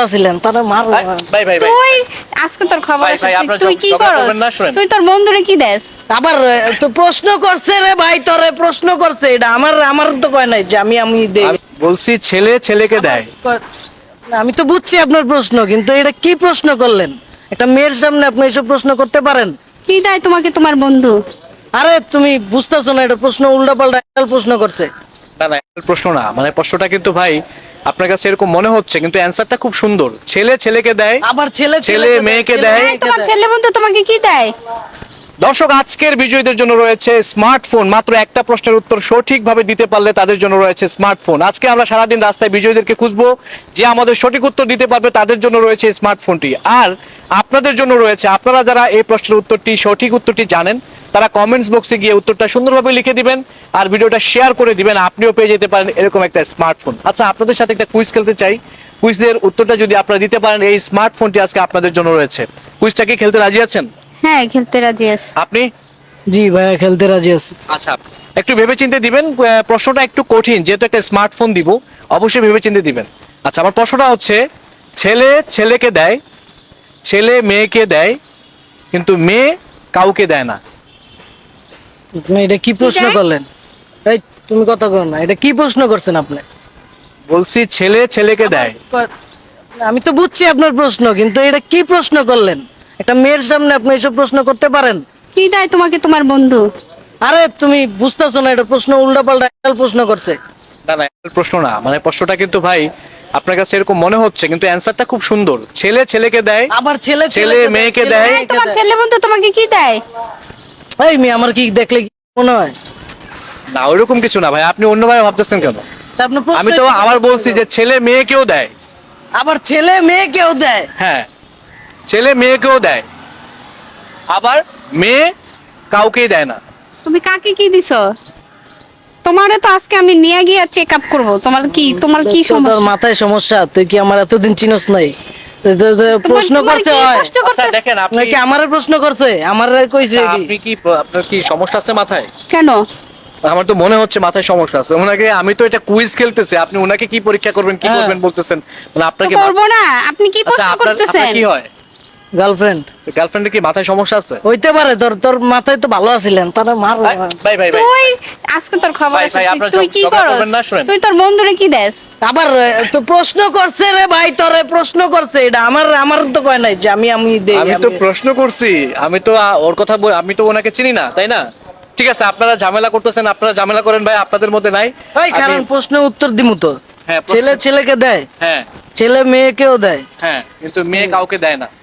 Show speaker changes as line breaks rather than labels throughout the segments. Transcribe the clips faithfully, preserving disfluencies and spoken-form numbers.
আছিলেন তারা মার
ভাই ভাই ভাই
তুই আজকে তোর খবর
ভাই,
আছে
ভাই,
তুই-
আপনারা
তুই
ঝগ-
কি
ঝগড়া
করস
করবেন না, শুনেন।
তুই তোর বন্ধুরে কি দেস
আবার এ, তো প্রশ্ন করছে রে ভাই, তোরে প্রশ্ন করছে এটা আমার আমার তো কয় নাই যে আমি আমি দেই।
আমি বলছি ছেলে ছেলেকে দেয়।
না, আমি তো বুঝছি আপনার প্রশ্ন, কিন্তু এটা কি প্রশ্ন করলেন? একটা মেয়ের সামনে আপনি এসব প্রশ্ন করতে পারেন?
কি দেয় তোমাকে তোমার বন্ধু?
আরে তুমি বুঝতেছো না, এটা প্রশ্ন উল্টা পাল্টা প্রশ্ন করছে।
না না একটা প্রশ্ন না, মানে প্রশ্নটা কিন্তু ভাই আপনার কাছে এরকম মনে হচ্ছে, কিন্তু অ্যানসারটা খুব সুন্দর। ছেলে ছেলেকে দেয়,
আবার ছেলে
ছেলে
ছেলেকে
মেয়েকে
ছেলে
দেয়।
হ্যাঁ, তোমার ছেলে বন্ধু তোমাকে কি দেয়?
দর্শক আজকের বিজয়ীদের জন্য রয়েছে স্মার্টফোন। মাত্র একটা প্রশ্নের উত্তর সঠিকভাবে দিতে পারলে তাদের জন্য রয়েছে স্মার্টফোন। আজকে আমরা সারাদিন রাস্তায় বিজয়ীদেরকে খুঁজবো, যে আমাদের সঠিক উত্তর দিতে পারবে তাদের জন্য রয়েছে স্মার্টফোনটি। আর আপনাদের জন্য রয়েছে, আপনারা যারা এই প্রশ্নের উত্তরটি সঠিক উত্তরটি জানেন তারা কমেন্টস বক্সে গিয়ে উত্তরটা সুন্দরভাবে লিখে দিবেন আর ভিডিওটা শেয়ার করে দিবেন, আপনিও পেয়ে যেতে পারেন এরকম একটা স্মার্টফোন। আচ্ছা, আপনাদের সাথে একটা কুইজ খেলতে চাই। কুইজের উত্তরটা যদি আপনারা দিতে পারেন, এই স্মার্টফোনটি আজকে আপনাদের জন্য রয়েছে। কুইজটা কি খেলতে রাজি আছেন?
হ্যাঁ, খেলতে রাজি আছি।
আপনি?
জি ভাইয়া, খেলতে রাজি আছি।
আচ্ছা, একটু ভেবেচিন্তে দিবেন। আহ, প্রশ্নটা একটু কঠিন, যেহেতু একটা স্মার্টফোন দিব, অবশ্যই ভেবেচিন্তে দিবেন। আচ্ছা, আমার প্রশ্নটা হচ্ছে, ছেলে ছেলেকে দেয়, ছেলে মেয়েকে দেয়, কিন্তু মেয়ে কাউকে দেয় না।
আপনি এটা কি প্রশ্ন
দেয়?
করলেন? এই তুমি কথা কর না, এটা কি প্রশ্ন করছেন আপনি?
বলছি ছেলে ছেলেকে দেয়।
আমি তো বুঝছি আপনার প্রশ্ন, কিন্তু এটা কি প্রশ্ন করলেন? একটা মেয়ের সামনে আপনি এসব প্রশ্ন করতে পারেন?
কি দেয় তোমাকে তোমার বন্ধু?
আরে তুমি বুঝতেছো না, এটা প্রশ্ন উল্টা পাল্টা প্রশ্ন করছে।
না না একটা প্রশ্ন না, মানে প্রশ্নটা কিন্তু ভাই আপনার কাছে এরকম মনে হচ্ছে, কিন্তু অ্যানসারটা খুব সুন্দর। ছেলে ছেলেকে দেয়,
আবার ছেলে
ছেলে
ছেলেকে
মেয়েকে
ছেলে
দেয়।
হ্যাঁ,
মেয়েকে
তোমার
দেয়।
ছেলে বন্ধু তোমাকে কি দেয়?
এই মেয়ে আমার কি দেখলে কি মনে হয়?
না ওইরকম কিছু না ভাই, আপনি অন্যভাবে ভাবতেছেন কেন?
তা আপনি প্রশ্ন
আমি তো
কি
আবার
করছেন?
বলছি যে ছেলে মেয়েকেও দেয়।
আবার ছেলে মেয়েকেও দেয়।
হ্যাঁ, ছেলে মেয়েকেও দেয়, আবার মেয়ে কাউকেই দেয় না।
তুমি কাকে কি দিছো? তোমারে তো আজকে আমি নিয়ে গিয়ে চেক আপ করবো। তোমার কি তোমার কি
তোর
সমস্যা?
মাথায় সমস্যা, তুই কি আমার এতদিন চিনস নাই? তো- তো- তো
তোমার-
প্রশ্ন
তোমার
করছে
কি
হয়
কষ্ট
আচ্ছা
করতে-
দেখেন, আপনি
নাকি আমারে প্রশ্ন করছে? আমার কইছে
আচ্ছা,
কি?
আপনি কি আপনার কি সমস্যা আছে মাথায়?
কেন?
আমার তো মনে হচ্ছে মাথায় সমস্যা আছে। ওনাকে আমি তো এটা কুইজ খেলতেছি, আপনি ওনাকে কি পরীক্ষা করবেন কি
হ্যাঁ।
করবেন বলতেছেন, মানে
তো
আপনাকে
করবো না। আপনি কি
আচ্ছা
প্রশ্ন
আপনার
করতেছেন?
আপনার কি হয়?
গার্লফ্রেন্ড
গার্লফ্রেন্ডের কি মাথায় সমস্যা আছে?
হইতে পারে, তোর তোর মাথায় তো ভালো আছিলেন তারা মার।
ভাই ভাই ভাই ভাই,
তুই আজকে তোর খবর
ভাই,
আছে
ভাই,
তুই-
আপনারা
তুই
ঝগ-
কি
ঝগড়া
করস
করবেন না, শুনেন।
তুই তোর বন্ধুরে কি দেস?
আবার এ, তো প্রশ্ন করছে রে ভাই, তোরে প্রশ্ন করছে এটা আমার আমার তো কয় নাই যে আমি আমি দেই।
আমি তো
আমি-
প্রশ্ন করছি, আমি তো আ, ওর কথা বল- আমি তো ওনাকে চিনি না, তাই না? ঠিক আছে, আপনারা ঝামেলা করতেছেন, আপনারা ঝামেলা করেন ভাই, আপনাদের মধ্যে নাই।
এই
আমি-
কারণ প্রশ্নের উত্তর দিমু তো।
হ্যাঁ, প্রশ্ন-
ছেলে ছেলেকে দেয়,
হ্যাঁ
ছেলে মেয়েকেও দেয়।
হ্যাঁ, কিন্তু মেয়ে কাউকে দেয় না।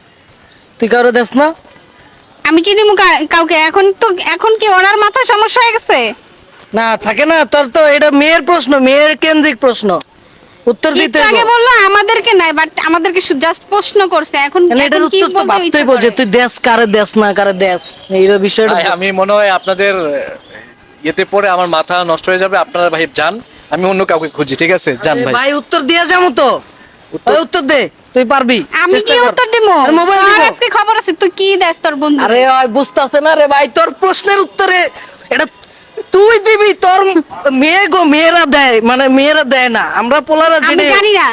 তুই কারো দেস না?
আমি কি দিমু কা- কাউকে? এখন তো এখন কি ওনার মাথা সমস্যা হয়ে গেছে?
না থাকে না, তোর তো এটা মেয়ের প্রশ্ন, মেয়ের কেন্দ্রিক প্রশ্ন, উত্তর দিতে
একটু আগে
হইব।
বললো আমাদেরকে নাই, বাট আমাদেরকে জাস্ট প্রশ্ন করছে। এখন
মানে এটার
এখন কি
উত্তর তো
বলতে
ভাবতেই
ইচ্ছা
বলছে
করে?
তুই দেশ কারে দেশ না কারে দেশ এই বিষয়টা।
ভাই, আমি মনে হয় আপনাদের আহ, ইয়েতে পরে আমার মাথা নষ্ট হয়ে যাবে। আপনারা ভাই যান, আমি অন্য কাউকে খুঁজি। ঠিক আছে, যান
আরে
ভাই।
ভাই উত্তর দিয়ে যাবো তো। ওই উত্তর দে, তুই পারবি।
আমি
চেষ্টা
কি
কর।
উত্তর দিমু?
আরে মোবাইল
তোর
দিব।
আজকে খবর আছে তুই কি দেস তোর বন্ধু?
আরে ওই বুঝতাছে না রে ভাই, তোর প্রশ্নের উত্তরে এটা তুই দিবি। তোর মেয়ে গো মেয়েরা দেয়, মানে মেয়েরা দেয় না, আমরা পোলারা
আমি
জেনে
জানি না।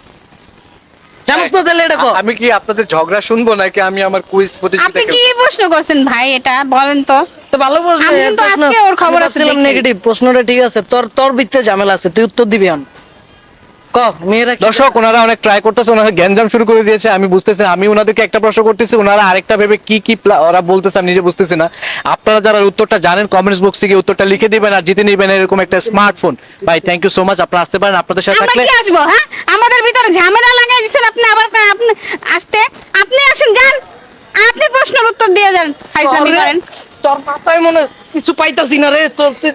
জানিস না তাহলে এটা কো।
আ- আমি কি আপনাদের ঝগড়া শুনবো নাকি আমি আমার কুইজ প্রতিযোগিতা
আপনি কি
খেলবো?
প্রশ্ন করছেন ভাই? এটা বলেন তো।
তো ভালো প্রশ্ন।
আমি
এই
কিন্তু
প্রশ্ন
আজকে ওর খবর আছে দেখি।
নেগেটিভ প্রশ্নটা ঠিক আছে, তোর তোর ভিতরে ঝামেলা আছে, তুই উত্তর দিবি আন। ক মেয়েরা কি
দর্শক ওনারা অনেক ট্রাই করতেছে, ওনারা গ্যাঞ্জাম শুরু করে দিয়েছে। আমি বুঝতেছি না, আমি ওনাদেরকে একটা প্রশ্ন করতেছি, ওনারা আরেকটা ভেবে কি কি প্লা- ওরা বলতেছে আমি নিজে বুঝতেছি না। আপনারা যারা উত্তরটা জানেন কমেন্টস বক্সে গিয়ে উত্তরটা লিখে দিবেন আর জিতে নেবেন এরকম একটা স্মার্টফোন। ভাই থ্যাংক ইউ সো মাচ, আপনারা আসতে পারেন। আপনাদের সাথে
আমরা
থাকলে
কি আসবো? হ্যাঁ, আমাদের ভিতরে ঝামেলা লাগাই দিচ্ছেন আপনি। আবার কা- আপনি আসতে আপনি আসেন, যান আপনি প্রশ্নের উত্তর দিয়ে যান। ফাইজলামি
তোরে-
করেন।
তোর মাথায় মনে হয় কিছু পাইতাছি না রে। তোর তুই-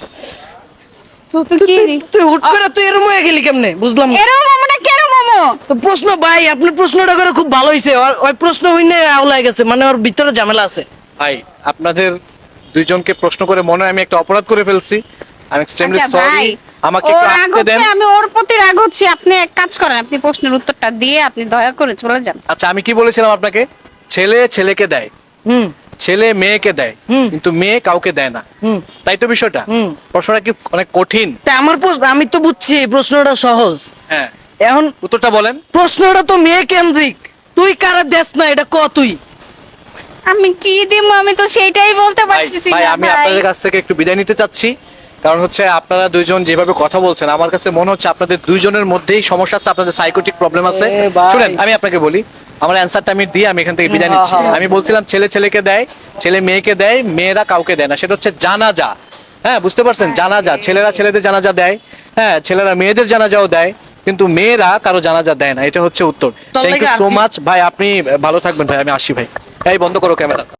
তুই-
তুই কি
তুই- তুই হুট করে তুই এরম হয়ে গেলি কেমনে বুঝলাম না।
এরম মোমো না কেরো মোমো?
তো প্রশ্ন ভাই, আপনি প্রশ্নটা করে খুব ভালো হয়েছে। ওই প্রশ্ন হইনে আউলাই গেছে, মানে ওর ভিতরে ঝামেলা আছে।
ভাই আপনাদের দুইজনকে প্রশ্ন করে মনে হয় আমি একটা অপরাধ করে ফেলছি। আমি এক্সট্রিমলি
আচ্ছা
সরি,
ভাই,
আমাকে
ওর
একটু
রাগ
আসতে দেন।
হচ্ছে, আমি ওর প্রতি রাগ হচ্ছে। আপনি এক কাজ করেন, আপনি প্রশ্নের উত্তরটা দিয়ে আপনি দয়া করে চলে যান।
আচ্ছা, আমি কি বলেছিলাম আপনাকে? ছেলে ছেলেকে দেয়,
হুম
ছেলে মেয়েকে দেয়,
হুম।
কিন্তু মেয়ে কাউকে দেয় না,
হুম
তাই তো বিষয়টা?
হুম।
প্রশ্নটা কি অনেক কঠিন?
তা আমার প্রশ্ন আমি তো বুঝছি প্রশ্নটা সহজ,
হ্যাঁ
এখন
উত্তরটা বলেন।
প্রশ্নটা তো মেয়ে কেন্দ্রিক, তুই কারা দেশ না এটা ক তুই।
আমি কি দিব, আমি তো সেইটাই বলতে
ভাই
পারতেছি
ভাই
না
আমি
ভাই।
আপনাদের কাছ থেকে একটু বিদায় নিতে চাচ্ছি, কারণ হচ্ছে আপনারা দুইজন যেভাবে কথা বলছেন আমার কাছে মনে হচ্ছে আপনাদের দুইজনের মধ্যেই সমস্যা আছে, আপনাদের সাইকোটিক প্রবলেম আছে।
এ ভাই।
শুনেন আমি আপনাকে বলি, আমার অ্যান্সারটা আমি দিয়ে আমি এখান থেকে বিদায় নিচ্ছি।
হ্যাঁ, হ্যাঁ।
আমি বলছিলাম ছেলে ছেলেকে দেয়, ছেলে মেয়েকে দেয়, মেয়েরা কাউকে দেয় না, সেটা হচ্ছে জানাজা। হ্যাঁ বুঝতে পারছেন, জানাজা, ছেলেরা ছেলেদের জানাজা দেয়, হ্যাঁ ছেলেরা মেয়েদের জানাজাও দেয়, কিন্তু মেয়েরা কারো জানাজা দেয় না, এটা হচ্ছে উত্তর।
তোর
থ্যাংক ইউ
লাগি
সো
আসি।
মাচ ভাই, আপনি ভালো থাকবেন ভাই, আমি আসি ভাই। এই বন্ধ করো ক্যামেরা।